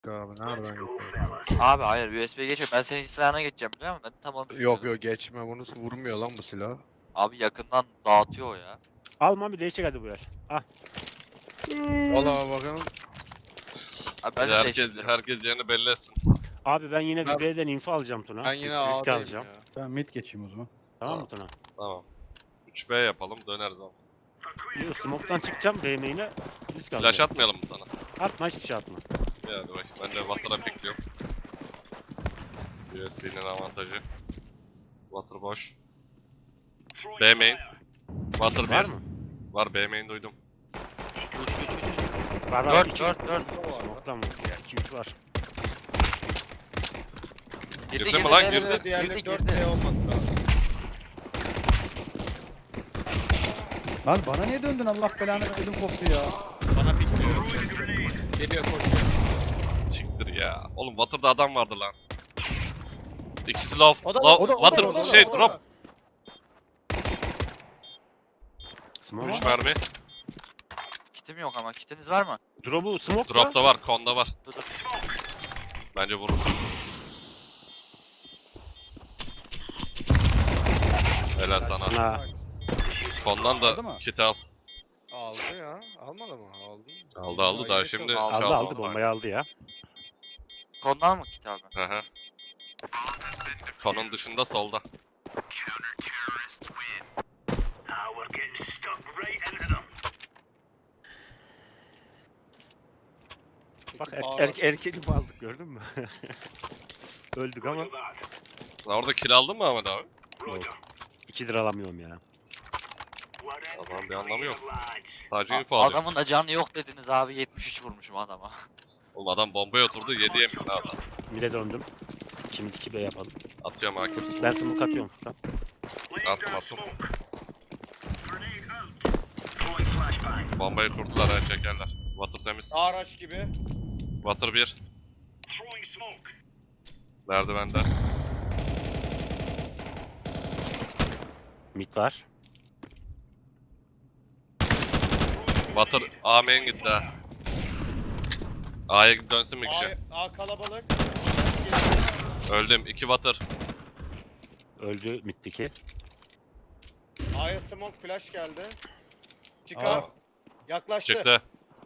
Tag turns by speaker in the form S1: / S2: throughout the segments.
S1: abi. Nereden geçiyor?
S2: Abi hayır USB'ye geçiyor. Ben senin silahına geçeceğim biliyor musun? Ben tam onu
S1: Yok
S2: düşünüyordum.
S1: yok geçme, bunu vurmuyor lan bu silah.
S2: Abi yakından dağıtıyor o ya.
S3: Alma bir değişik hadi bu el.
S1: Valla bakalım.
S2: Abi ben de değiştirdim.
S4: Herkes yerini belli etsin.
S3: Abi ben yine
S1: Ben-
S3: bir B'den info alacağım Tuna.
S1: Ben yine
S3: Risk
S1: A'dayım
S3: alacağım.
S1: ya.
S5: Ben mid geçeyim o zaman.
S3: Tamam mı Tuna?
S4: Tamam. 3B yapalım döneriz ama.
S3: Yok smoke'tan çıkacağım B main'e risk alacağım.
S4: Flash atmayalım mı sana?
S3: Atma hiçbir şey atma.
S4: Yani bak ben de Water'a bekliyorum. USB'nin avantajı. Water boş. B main. Water
S3: Var
S4: 1.
S3: mı?
S4: Var B main duydum.
S2: 3.
S3: Var var.
S2: 4
S3: 2
S2: 4 4.
S3: Smoke'tan vurdu ya. 2-3 var.
S4: Girdi mi lan?
S2: girdi.
S4: Girdi.
S1: Diğerleri
S2: Girdi,
S1: 4B olmadı abi.
S5: Lan bana niye döndün Allah belanı ödüm koptu ya.
S1: Bana pikliyor. Geliyor koşuyor.
S4: Siktir ya. Oğlum Water'da adam vardı lan. İkisi low.
S1: O da-
S4: Low.
S5: o da-
S4: Water
S5: o da-
S4: şey
S1: o da-
S4: drop.
S3: Smoke
S4: 3
S3: var.
S4: mermi.
S2: Kitim yok ama kitiniz var mı?
S3: Drop'u smoke
S4: Drop'ta var. Konda var.
S2: Dur.
S4: Bence vurursun. Helal sana.
S3: Ha.
S4: Kondan
S5: Aldı
S4: da
S5: mı?
S4: kit al.
S1: Aldı ya. Almadı mı? Aldı.
S4: Aldı daha şimdi.
S2: Aldı,
S3: Aldı
S4: çalma
S3: aldı
S4: olsaydı.
S3: bombayı aldı ya.
S2: Kondan mı kit abi?
S4: Hı hı. Konun dışında solda.
S3: Bak
S1: Ekip
S3: erkeğini aldık gördün mü? Öldük ama.
S4: Lan orada kill aldın mı Ahmet abi?
S3: Yok. 2 lira alamıyorum ya.
S4: Tamam bir anlamı yok. Sadece info alıyor.
S2: Adamın da canı yok dediniz abi 73 vurmuşum adama.
S4: Oğlum adam bombaya oturdu 7 yemiş ne adam.
S3: Mide döndüm. Şimdi 2B yapalım.
S4: Atıyorum Akif.
S3: Ben smoke atıyorum Furkan.
S4: Attım. Bombayı kurdular ha çekerler. Water temiz.
S1: Araç gibi.
S4: Water 1. Merdivende.
S3: Mid var.
S4: Water A main gitti ha. A'ya dönsün bir kişi.
S1: A kalabalık.
S4: Öldüm. 2 Water.
S3: Öldü middeki.
S1: A'ya smoke flash geldi. Çıkar.
S4: Aa.
S1: Yaklaştı.
S4: Çıktı.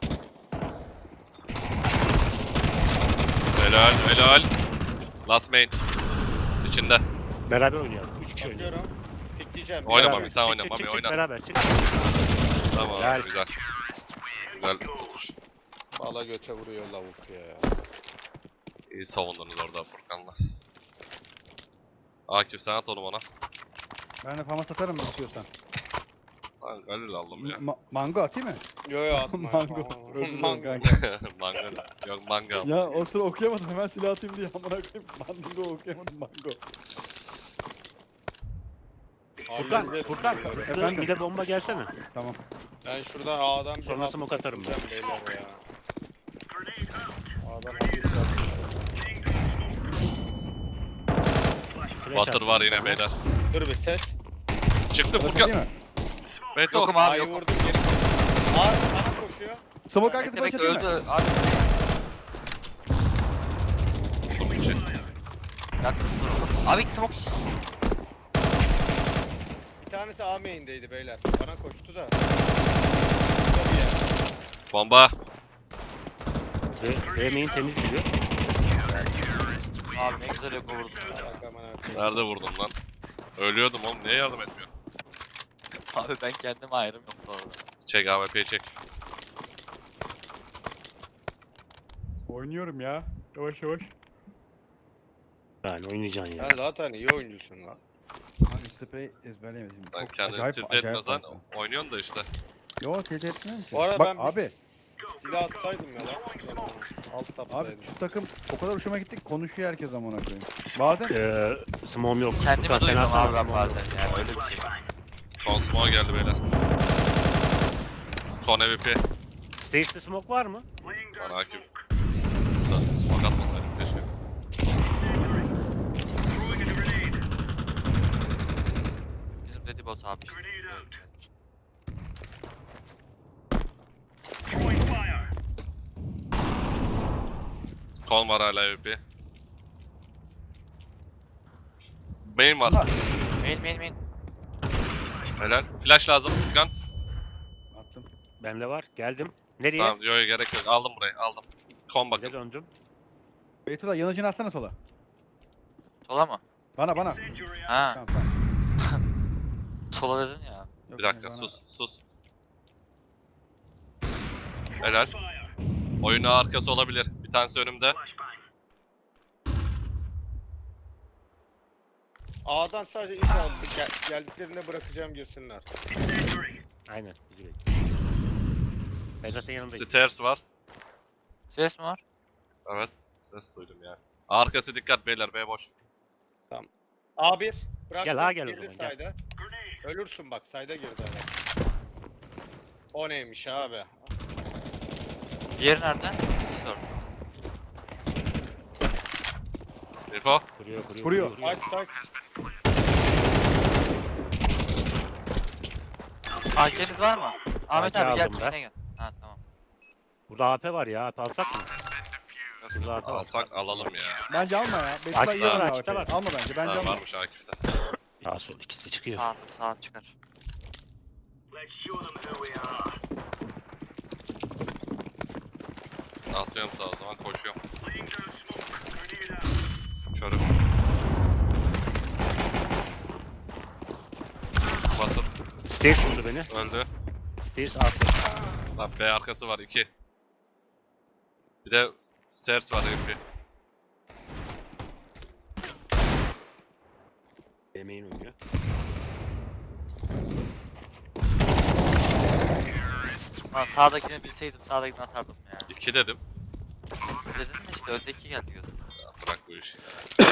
S4: Helal. Last main. İçinde.
S3: Beraber oynayalım. 3 kişi oynayalım.
S1: Bakıyorum. Pikleyeceğim.
S4: Oynama,
S3: Beraber.
S4: bir tane
S3: Çık,
S4: oyna,
S3: çık,
S4: Mami,
S3: çık,
S4: oyna.
S3: Beraber çık.
S4: Tamam
S3: Helal.
S4: güzel. Güzel tutuş.
S1: Bala göte vuruyor lavuk ya.
S4: İyi savundunuz orada Furkan'la. Akif sen at onu bana.
S5: Ben de famas atarım istiyorsan.
S4: Ben Galil aldım ya.
S5: Mango atayım mı?
S1: Yo yo atma.
S5: Mango. Özür dilerim
S1: Mango.
S5: kanka.
S4: Manga. Yok manga al.
S5: Ya o sıra okuyamadım hemen silah atayım diye amına koyayım. Mango okuyamadım mango.
S3: Furkan,
S1: Hallederiz
S3: Furkan.
S1: diyorum.
S3: Hızlı
S5: Efendim?
S3: mide bomba gelsene.
S5: Tamam.
S1: Ben şurada A'dan bir
S3: Sonra
S1: hafif
S3: smoke atarım ben.
S1: düşüreceğim beyler ya. A'dan hafif
S3: Flash
S4: Water
S3: attım
S4: var
S3: bir
S4: yine
S3: tane.
S4: beyler.
S1: Dur bir ses.
S4: Çıktı
S5: Değil
S4: Furkan.
S5: mi?
S4: Beto.
S2: Yokum abi
S1: A'yı
S2: yokum.
S1: vurdum geri koşuyor. A bana koşuyor.
S5: Smoke arkası
S2: Bekle
S5: flash
S2: bekle
S5: atayım mı?
S2: öldü. Abi
S4: Vurdum içi.
S2: yaktım dur. Abi smoke.
S1: Bir tanesi A main'deydi beyler. Bana koştu da. Burada bir yer.
S4: Bomba.
S3: B main temiz gibi.
S2: Abi ne güzel yok vurdum ya.
S1: Bak aman abi.
S4: Nerede vurdum lan? Ölüyordum oğlum. Niye yardım etmiyor?
S2: Abi ben kendime ayrım yoktu orada.
S4: Çek AWP'yi çek.
S5: Oynuyorum ya. Yavaş yavaş.
S3: Yani oynayacaksın ya.
S1: Sen zaten iyi oyuncusun lan.
S5: Abi sprey ezberleyemedim.
S4: Sen
S5: Çok
S4: kendini
S5: acayip-
S4: tilt
S5: acayip
S4: etmesen
S5: korktum.
S4: oynuyorsun da işte.
S5: Yo tilt etmiyorum ki.
S1: Bu arada
S5: Bak
S1: ben
S5: abi.
S1: silah atsaydım ya lan. Alt
S5: Abi
S1: taptaydım.
S5: şu takım o kadar hoşuma gitti ki konuşuyor herkes amına koyayım. Bazen
S3: Smoke'um yok.
S2: Kendimi
S3: Furkan, sen
S2: duydum
S3: alsana
S2: abi ben
S3: smoke'um yok.
S2: bazen yani öyle bir şey.
S4: Kon smoke geldi beyler. Kon MVP.
S3: Stace'de smoke var mı?
S4: Bana Akif. Smoke atmasaydım keşke.
S2: Bizim dedi bot abi işte.
S4: Kon var hala UP. Main var.
S5: Ama
S2: Main.
S4: Helal. Flash lazım. Furkan.
S5: attım.
S3: Bende var. Geldim. Nereye?
S4: Tamam yo gerek yok. Aldım burayı aldım. Kon
S3: Bir
S4: bakın.
S3: de döndüm.
S5: Beytullah yanıcını atsana sola.
S2: Sola mı?
S5: Bana.
S2: Ha.
S5: Tamam tamam.
S2: Sola dedin ya.
S5: Yok,
S4: Bir dakika
S5: bana-
S4: sus. Helal. Oyunu arkası olabilir. Bir tanesi önümde.
S1: A'dan sadece inşallah geldiklerinde bırakacağım girsinler.
S3: Aynen. Bizi ben zaten yanındayım.
S4: Stairs var.
S2: Ses mi var?
S4: Evet. Ses duydum ya. Arkası dikkat beyler. B boş.
S1: A1. Bırak.
S3: Gel, gel o
S1: girdi
S3: zaman, gel.
S1: sayda. Ölürsün bak sayda girdi adam. O neymiş abi?
S2: Diğeri nerede? İkisi de orada.
S4: Info.
S5: Kuruyor.
S1: Side.
S2: AK'niz var mı? Ahmet
S3: AK
S2: abi gel
S3: aldım ben.
S2: yine gel. Ha tamam.
S3: Burada AP var ya. AP alsak mı? Burada AP var.
S4: Alsak alalım ya.
S5: Bence alma ya. Beytullah
S3: Açta
S5: iyi
S3: var,
S5: oynuyor
S3: açta
S5: AWP'yi.
S3: var.
S5: Alma bence. Bence
S4: Ha,
S5: alma.
S4: varmış Akif'te.
S3: Sağ sol ikisi de çıkıyor.
S2: Sağ çıkar.
S4: Atıyorum sağ o zaman koşuyorum. Körüm. Batır
S3: Stairs vurdu beni.
S4: öldü.
S3: Stairs artı.
S4: Lan B arkası var 2. Bir de stairs var MP.
S3: Yemeğin oynuyor.
S2: Lan sağdakini bilseydim sağdakini atardım ya.
S4: 2 dedim.
S2: Dedin mi işte öndeki geldi gözüm.
S4: Ya bırak bu işi ya.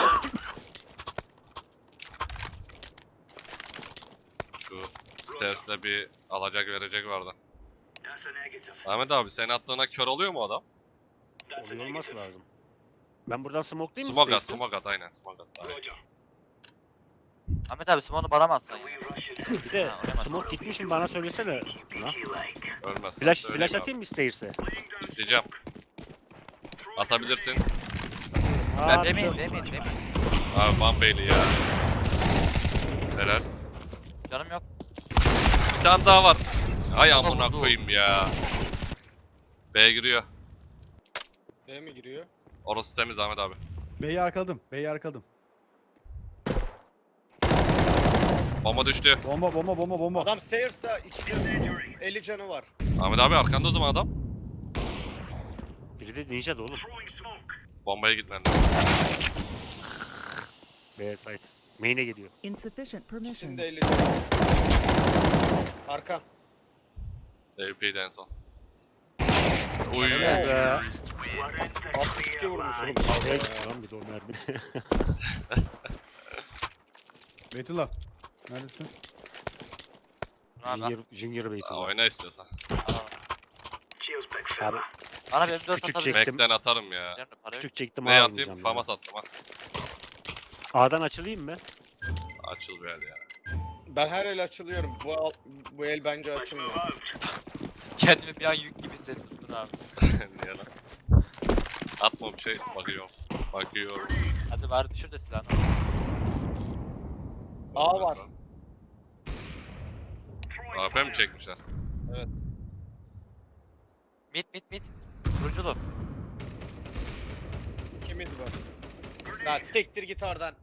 S4: Şu stairs'le bir alacak verecek vardı. Ahmet abi senin attığına kör oluyor mu adam?
S3: Oluyor olması lazım. Ben buradan smoke'layayım mı?
S4: Smoke at,
S3: Stairs'i?
S4: smoke at aynen smoke at. Aynen.
S2: Ahmet abi smoke'unu bana mı atsan ya?
S3: Bir de
S2: Ha, oraya bak.
S3: smoke gitmişim bana söylesene. Lan.
S4: Ölmezsen
S3: Flash
S4: söyleyeyim abi.
S3: atayım mı Stairs'e?
S4: İsteyeceğim. Atabilirsin.
S2: Ben demeyin.
S4: Abi Van Bailey ya. Helal.
S2: Canım yok.
S4: Bir tane daha var. Ay
S2: Vurdu,
S4: amına
S2: vurdu.
S4: koyayım ya. B giriyor.
S1: B mi giriyor?
S4: Orası temiz Ahmet abi.
S5: B'yi arkaladım.
S4: Bomba düştü.
S5: Bomba.
S1: Adam Stairs'ta 2 canı 50 canı var.
S4: Ahmet abi arkanda o zaman adam.
S3: Biri de ninja da oğlum.
S4: Bombaya gitmen lazım.
S3: B site. Main'e geliyor.
S6: Insufficient permissions.
S1: İkisinde 50 canı. Arka.
S4: AWP'ydi en son. Uy.
S3: Evet be.
S1: 62 vurmuş oğlum.
S3: Lan bir de o mermi.
S5: Beytullah. Neredesin?
S3: Junior
S4: Aa,
S3: Beytullah.
S4: oyna istiyorsan.
S3: Abi
S2: Bana benim 4
S3: Küçük
S2: atabilirsin.
S3: çektim.
S4: Mac'den atarım ya.
S2: Canım para yok.
S3: küçük çektim
S4: Ne
S3: almayacağım
S4: atayım?
S3: ya.
S4: Fama sattım ha.
S3: A'dan açılayım mı?
S4: Açıl bir el ya.
S1: Ben her el açılıyorum. Bu el bence açılmıyor.
S2: Kendimi bir an yük gibi hissettim dur abi.
S4: Niye lan? Atma bir şey. Bakıyorum.
S2: Hadi bari düşür de silahını.
S1: A var.
S4: AP mi çekmişler?
S2: Mid. Kuruculu.
S1: 2 mid var. Lan siktir git oradan.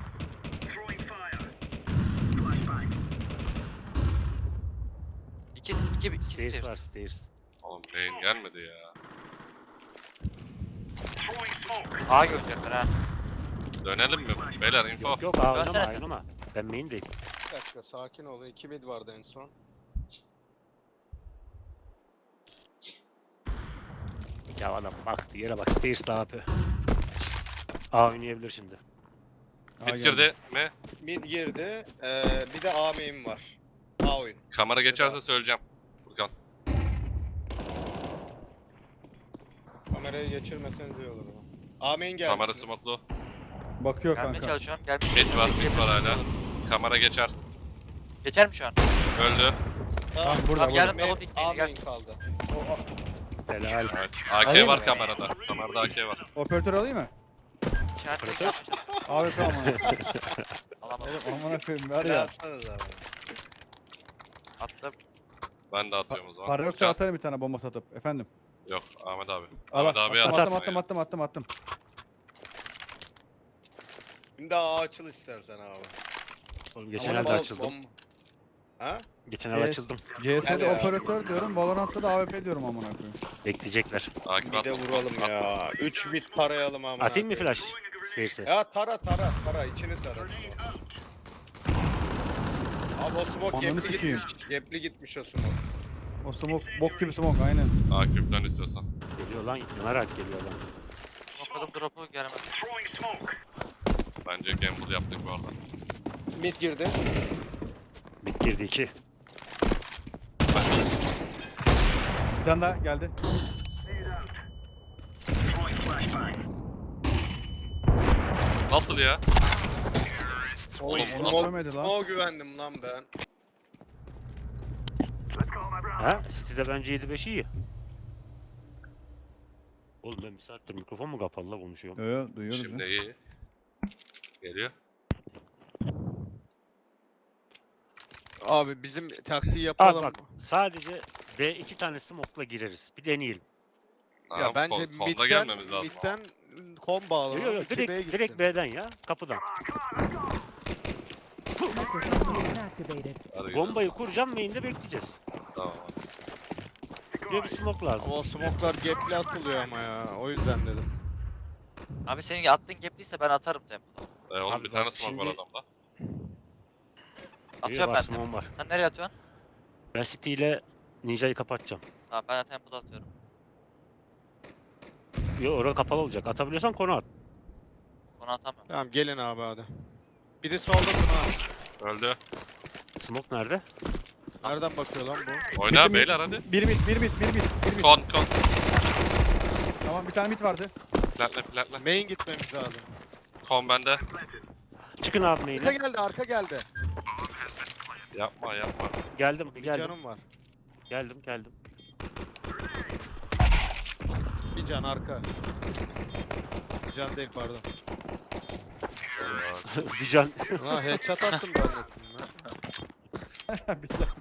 S2: İkisi
S3: Stairs var
S2: stairs.
S3: Stairs.
S4: Oğlum main gelmedi ya.
S2: A görecekler ha.
S4: Dönelim mi? Beyler info.
S3: Yok A
S2: Dönsene sen.
S3: oynama. Ben main'deyim.
S1: Bir dakika sakin olun. 2 mid vardı en son.
S3: Ya adam baktı yere bak Stairs'la AP. A oynayabilir şimdi.
S4: Bitirdi mi?
S1: Mid girdi. Bir de A main var. A oyun.
S4: Kamera geçerse söyleyeceğim. Furkan.
S1: Kamerayı geçirmeseniz iyi olur ama. A main geldi.
S4: Kamera smoklu.
S5: Bakıyor
S2: Gelmeye
S5: kanka.
S2: çalışıyorum. Gelmeye
S4: Mid var,
S2: çalışıyorum.
S4: mid var hala.
S2: Bekleyebilirsin.
S4: Kamera geçer.
S2: Geçer mi şu an?
S4: Öldü.
S1: Tamam.
S5: Burada
S2: Tamam,
S5: burada.
S2: geldim.
S1: Main,
S2: Double pick
S1: A
S2: gel.
S1: main kaldı.
S3: Helal.
S4: Evet. AK
S5: Alayım
S4: var
S5: mı?
S4: kamerada. Kamerada AK var.
S5: Operatör alayım mı?
S2: İşaretleyin yapacağım.
S5: AWP amına.
S2: Alamadım.
S5: Oğlum amına koyayım ver
S1: Ne
S5: ya.
S1: yapsanız abi.
S2: Attım.
S4: Ben de atıyorum o zaman.
S5: Para yoksa
S4: Can-
S5: atarım bir tane bomba satıp. Efendim.
S4: Yok Ahmet abi.
S5: Al
S4: Ahmet abi
S5: attım.
S1: Şimdi daha açıl istersen abi.
S3: Oğlum geçen
S1: Ama
S3: elde
S1: bal-
S3: açıldım.
S1: Ha?
S3: Geçen elde
S5: Yes.
S3: açıldım.
S5: CS'de
S1: Hadi ya.
S5: operatör diyorum. Valorant'ta da AWP diyorum amına koyayım.
S3: Bekleyecekler.
S4: Akif
S1: Bir de
S4: atmasın.
S1: vuralım ya. 3 bit parayalım ama.
S3: Atayım mı flash? Stairs'e.
S1: Ya tara içini tara. Abi o smoke
S5: Ananı
S1: gepli
S5: sikeyim.
S1: gitmiş. Gepli gitmiş o smoke.
S5: O smoke bok gibi smoke aynen.
S4: Akif'ten istiyorsan.
S3: Geliyor lan. Yanarak geliyor lan.
S2: Topladım drop'u gelemez.
S4: Bence gamble yaptık bu arada.
S1: Mid girdi.
S3: Mid girdi 2.
S5: Bir tane daha geldi.
S4: Nasıl ya? Oğlum bu
S5: Onu
S4: nasıl?
S5: görmedi lan.
S1: Smoke güvendim lan ben.
S3: Ha? City'de bence 7-5 iyi. Oğlum ben bir saattir mikrofon mu kapalı la konuşuyorum.
S5: Yo duyuyoruz
S4: Şimdi
S5: ya.
S4: iyi. Geliyor.
S1: Abi bizim taktiği
S3: Abi
S1: yapalım.
S3: bak sadece B2 tane smoke'la gireriz. Bir deneyelim.
S1: Ya
S4: Tamam,
S1: bence
S4: kolda gelmemiz lazım.
S1: midden kom bağlamam.
S3: Yok yok direkt B'den ya kapıdan.
S6: Microphone activated.
S4: Hadi gidelim.
S3: Bombayı kuracağım main'de bekleyeceğiz.
S4: Tamam.
S3: Buraya bir smoke lazım.
S1: Ama o smoke'lar gepli atılıyor ama ya. O yüzden dedim.
S2: Abi senin attığın gepliyse ben atarım tempoda.
S4: Oğlum
S3: Abi
S4: bir tane
S3: bak
S4: smoke var
S3: şimdi-
S4: adamda.
S2: Atıyorum
S3: var,
S2: ben
S3: smoke'um
S2: tempo.
S3: var.
S2: Sen nereye atıyorsun?
S3: Ben City ile Ninja'yı kapatacağım.
S2: Tamam ben de tempoda atıyorum.
S3: Yok orada kapalı olacak. Atabiliyorsan konu at.
S2: Onu atamıyorum.
S1: Tamam gelin abi hadi. Biri soldasın ha.
S4: Öldü.
S3: Smoke nerede?
S1: Nereden bakıyor lan bu?
S4: Oyna
S5: Bitti mi?
S4: beyler hadi.
S5: Bir mid.
S4: Kon.
S5: Tamam bir tane mid vardı.
S4: Platle.
S1: Main gitmemiz lazım.
S4: Kon bende.
S3: Çıkın abi
S1: Arka
S3: main'e.
S1: geldi, arka geldi.
S4: Yapma.
S3: Geldim
S1: Bir
S3: geldim.
S1: canım var.
S3: Geldim.
S1: Bir can arka. Bir can değil pardon.
S3: Bir can.
S1: Ha headshot attım zannettim ben.
S5: bir can.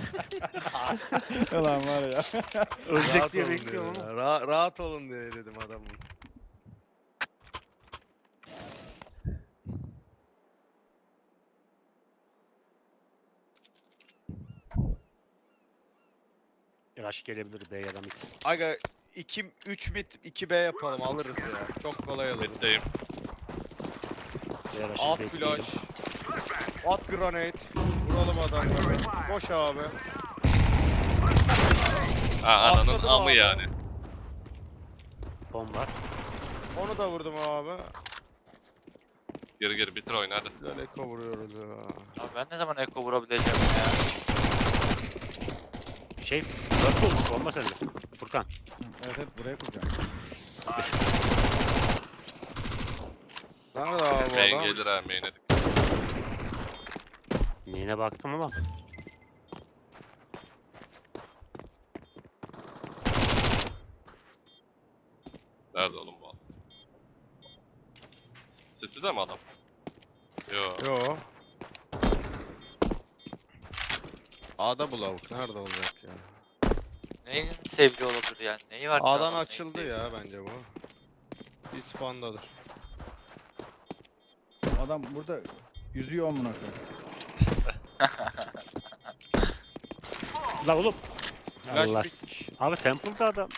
S5: Ulan var ya.
S3: Ölecek diye
S1: olun
S3: bekliyorum
S1: diye.
S3: ama.
S1: Rahat olun diye dedim adamın.
S3: Rush gelebilir B ya da mid.
S1: Aga 3 bit 2B yapalım alırız ya. Çok kolay alırız.
S4: Middeyim.
S3: B rush'ı
S1: At
S3: bekleyelim.
S1: flash. At granate. Vuralım adamları. Koş abi.
S4: Ha ananın
S1: Atladım
S4: amı
S1: abi.
S4: yani.
S3: Bomba var.
S1: Onu da vurdum abi.
S4: Geri bitir oyunu hadi.
S1: Güzel eko vuruyoruz ya.
S2: Abi ben ne zaman eko vurabileceğim ya?
S3: Şey, 4 olmuş bomba sende. Furkan.
S5: Evet buraya kuracağım.
S1: Nerede abi bu
S4: Main
S1: adam?
S4: gelir ha main'e.
S3: Neyine baktım ama.
S4: Nerede oğlum bu adam? City'de mi adam? Yo.
S1: Yo. A'da bu lavuk. Nerede olacak ya?
S2: Neyin sevgili olabilir yani? Neyi var? ki
S1: A'dan
S2: adamın, neyin
S1: açıldı
S2: sevgili?
S1: ya bence bu. Bir spawndadır.
S5: Adam burada yüzüyor amına koyayım.
S3: La oğlum.
S1: Flash
S3: Allah.
S1: pick.
S3: Abi Temple'da adam.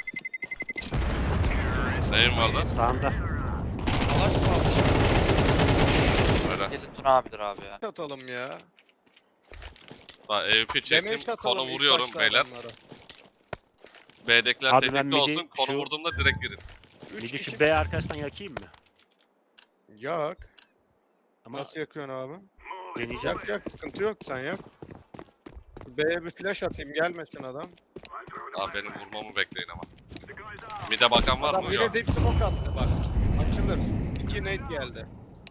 S4: Neyin var lan?
S3: Sağında.
S1: Flash mı aldı?
S4: Öyle.
S2: Kesin Tuna abidir abi ya.
S1: Atalım ya.
S4: Bak EVP
S1: Damage
S4: çektim.
S1: atalım
S4: Konu
S1: ilk
S4: vuruyorum
S1: başta
S4: beyler.
S1: adamlara.
S4: B'dekiler
S3: Abi ben
S4: tetikte
S3: midi
S4: olsun. Konu
S3: şu-
S4: vurduğumda direkt girin.
S1: 3
S3: Midi
S1: kişi
S3: şu B arkasından yakayım mı?
S1: yak.
S3: Ama
S1: Nasıl yakıyorsun abi?
S3: deneyeceğim.
S1: Yak sıkıntı yok sen yak. B'ye bir flash atayım gelmesin adam.
S4: Abi benim vurmamı bekleyin ama. Mid'e bakan var
S1: Adam
S4: mı?
S1: yine
S4: Yok.
S1: deep smoke attı bak. Açılır. 2 nade geldi.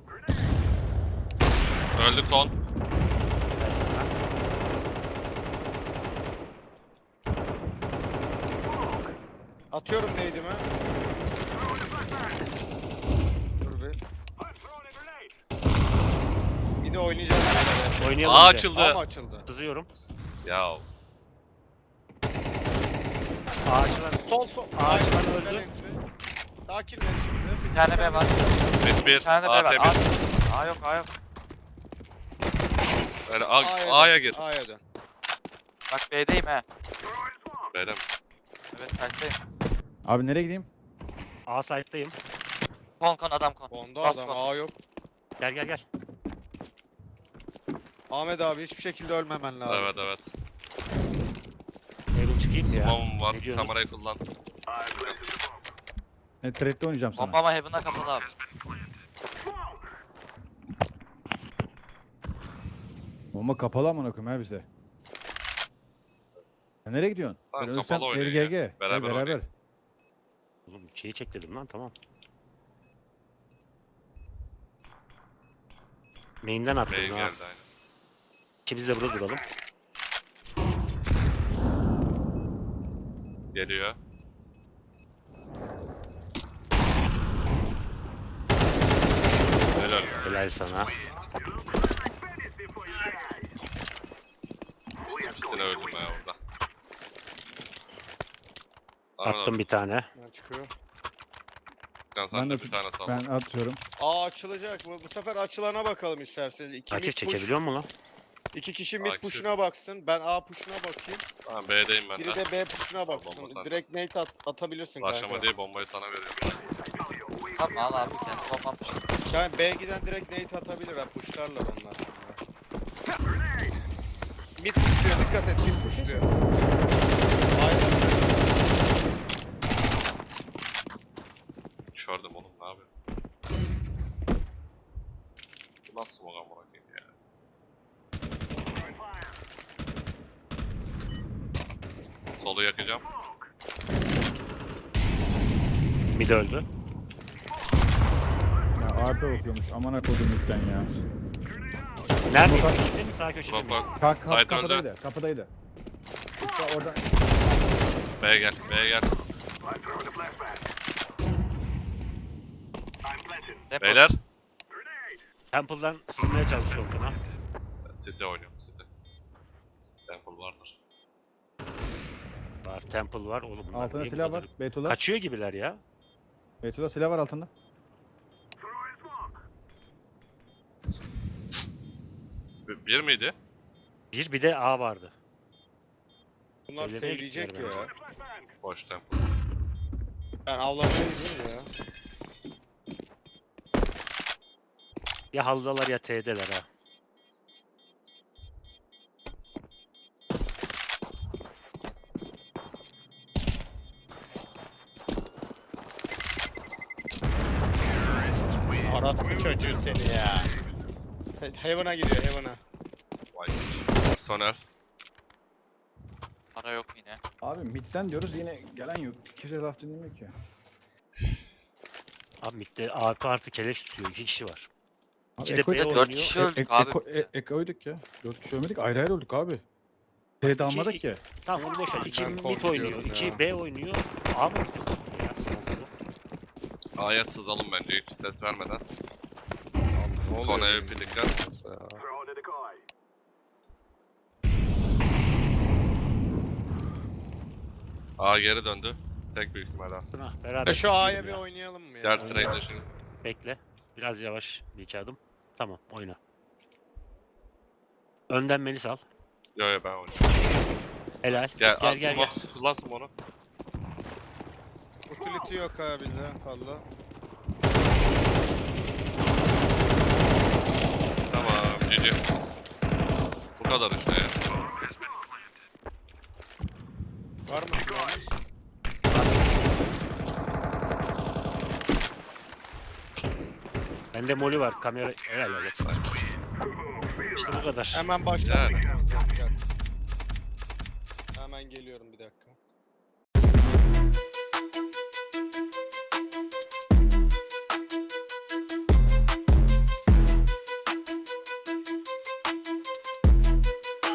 S4: Öldü kon.
S1: Atıyorum neydi mi? Dur bir. Bir de oynayacağız.
S3: Oynayalım
S4: Aa
S3: bir de.
S4: açıldı.
S1: Ama açıldı.
S3: Sızıyorum.
S4: Ya
S3: Ağaçlar.
S1: Sol.
S3: Ağaçtan
S1: Aynen,
S3: öldü.
S1: ben entry. Daha kill ver şimdi.
S2: Bir tane B var.
S4: mid 1,
S2: Bir tane de B
S4: A
S2: var.
S4: temiz.
S2: A yok A yok.
S4: Yani
S1: A'ya
S4: A'ya
S1: dön,
S4: gir.
S1: A'ya dön.
S2: Bak B'deyim he.
S4: Benim.
S2: Evet kaçtayım.
S5: Abi nereye gideyim?
S3: A site'dayım.
S2: Kon adam kon.
S1: Onda
S2: Bas
S1: adam.
S2: kon.
S1: A yok.
S3: Gel.
S1: Ahmet abi hiçbir şekilde ölmemen lazım.
S4: Evet.
S3: Evin çıkayım mı ya?
S4: Smoke'um var.
S3: Ne diyorsunuz?
S4: Kamerayı kullan.
S5: Trade'de oynayacağım sana.
S2: Bombama Heaven'a kapalı abi.
S5: Bomba kapalı amına koyayım ha bize. Sen nereye gidiyorsun?
S4: Tamam,
S5: Ben
S4: kapalı
S5: ölsem
S4: oynayın
S5: RGG.
S4: ya.
S5: Gel
S4: Beraber
S5: beraber.
S4: oynayın.
S3: Oğlum şeyi çek dedim lan tamam. Main'den attım
S4: Bey
S3: ha.
S4: geldi aynen.
S3: İkimiz de burada duralım.
S4: Geliyor. Helal.
S3: Helal sana.
S4: Hepsine öldüm ya orada. Ahmet
S3: Attım
S4: abi,
S3: bir tane.
S1: Ben çıkıyor.
S4: Furkan sen
S5: Ben
S4: de
S5: de
S4: bir tane sal.
S5: Ben atıyorum.
S1: A açılacak. Bu sefer açılana bakalım isterseniz. İki
S3: Açık
S1: mid push.
S3: çekebiliyor mu lan?
S1: İki kişi mid
S4: Açık.
S1: push'una baksın. Ben A push'una bakayım.
S4: Tamam B'deyim ben
S1: Biri
S4: de.
S1: de B push'una baksın.
S4: Bomba sende.
S1: Direkt nade atabilirsin kanka.
S4: Başlama diye bombayı sana veriyorum.
S2: Tamam al abi kendi bombam bir şey.
S1: Yani B giden direkt nade atabilir ha. Push'larlar onlar. Mid push'luyor. Dikkat et. Mid push'luyor. Aynen.
S4: Şördüm oğlum ne yapıyorsun? Bu nasıl smoke amına koyayım ya? Solu yakacağım.
S3: Mid öldü.
S5: Ya AP okuyormuş. Amına koydum ilkten ya.
S3: Nerede? Mid'de mi sağ köşede
S4: Bak
S3: mi?
S4: bak. Side öldü.
S5: Kapıdaydı. İşte orada.
S4: B'ye gel.
S2: Depo.
S4: Beyler.
S3: Temple'dan sızmaya çalışıyorum buna.
S4: City oynuyorum City. Temple vardır.
S3: Var Temple var. Oğlum bunlar
S5: Altında
S3: niye bu
S5: silah
S3: kadar-
S5: var. Beytullah.
S3: Kaçıyor gibiler ya.
S5: Beytullah silah var altında.
S4: Bir miydi?
S3: Bir de A vardı.
S1: Bunlar
S3: Söylemeye
S1: sevleyecek
S3: gittiler
S1: ya.
S4: Boş Temple.
S1: Ben avlamaya gidiyorum ya.
S3: Ya halıdalar ya T'deler ha.
S1: Aratma çocuğu seni ya. Heaven'a gidiyor Heaven'a.
S4: Vay. Soner.
S2: Para yok yine.
S5: Abi midden diyoruz yine gelen yok. Kimse laf dinlemiyor ki.
S3: Abi midde AP artı keleş tutuyor. 2 kişi var.
S5: Abi
S3: İki de
S5: Eko-
S3: B
S2: dört
S3: oynuyor.
S2: kişi öldük abi.
S5: Eko'yduk ya. 4 kişi ölmedik. Ayrı ayrı öldük abi. Trade almadık ya.
S3: Tamam onu boş ver. 2
S1: Ben
S3: mid
S1: korkuyorum
S3: oynuyor.
S1: ya.
S3: 2 B oynuyor. A mı bitirsin ya? Smoke'lu.
S4: A'ya sızalım bence hiç ses vermeden.
S1: Ne oluyor?
S4: Konuya bir dikkat. A geri döndü. Tek büyük ihtimal ha.
S3: Buna beraber.
S1: Şu A'ya bir
S3: gidelim ya.
S1: oynayalım mı ya?
S4: Gel trade'le şimdi.
S3: Bekle. Biraz yavaş bir iki adım. Tamam oyna. Önden Melis al.
S4: Yo yo ben oynayacağım.
S3: Helal.
S4: Gel,
S3: Gel
S4: al
S3: gel.
S4: smoke, kullan smoke'u.
S1: Utility yok abi de fazla.
S4: Tamam GG. Bu kadar işte ya.
S1: Var mı?
S3: Bende moli var. Kamera helal helal. İşte bu kadar.
S1: Hemen başla.
S4: Yani.
S1: Hemen geliyorum bir dakika.